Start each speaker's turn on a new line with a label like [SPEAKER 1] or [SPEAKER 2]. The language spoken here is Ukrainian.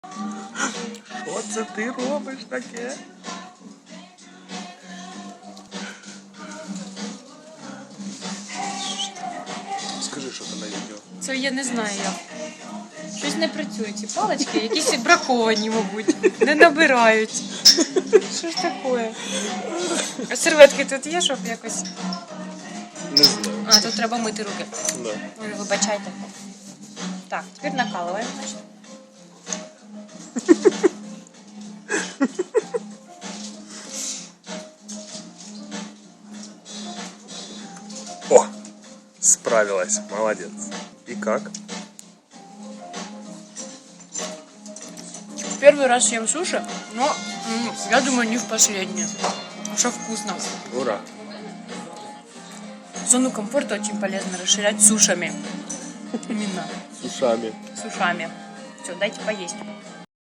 [SPEAKER 1] Що це ти робиш таке? Скажи, що ти на відео.
[SPEAKER 2] Це я не знаю як. Щось не працює. Ці палички якісь браковані, мабуть. Не набирають. Що ж таке? А серветки тут є, щоб якось...
[SPEAKER 1] Не знаю.
[SPEAKER 2] А, тут треба мити руки.
[SPEAKER 1] Да.
[SPEAKER 2] Ой, вибачайте. Так, тепер накалуємо, значить.
[SPEAKER 1] О! Справилась. Молодец. И как?
[SPEAKER 2] Первый раз ем суши, но я думаю, не в последний. Что вкусно.
[SPEAKER 1] Ура!
[SPEAKER 2] Зону комфорта очень полезно расширять сушами. Именно.
[SPEAKER 1] С ушами.
[SPEAKER 2] С ушами. Все, дайте поесть.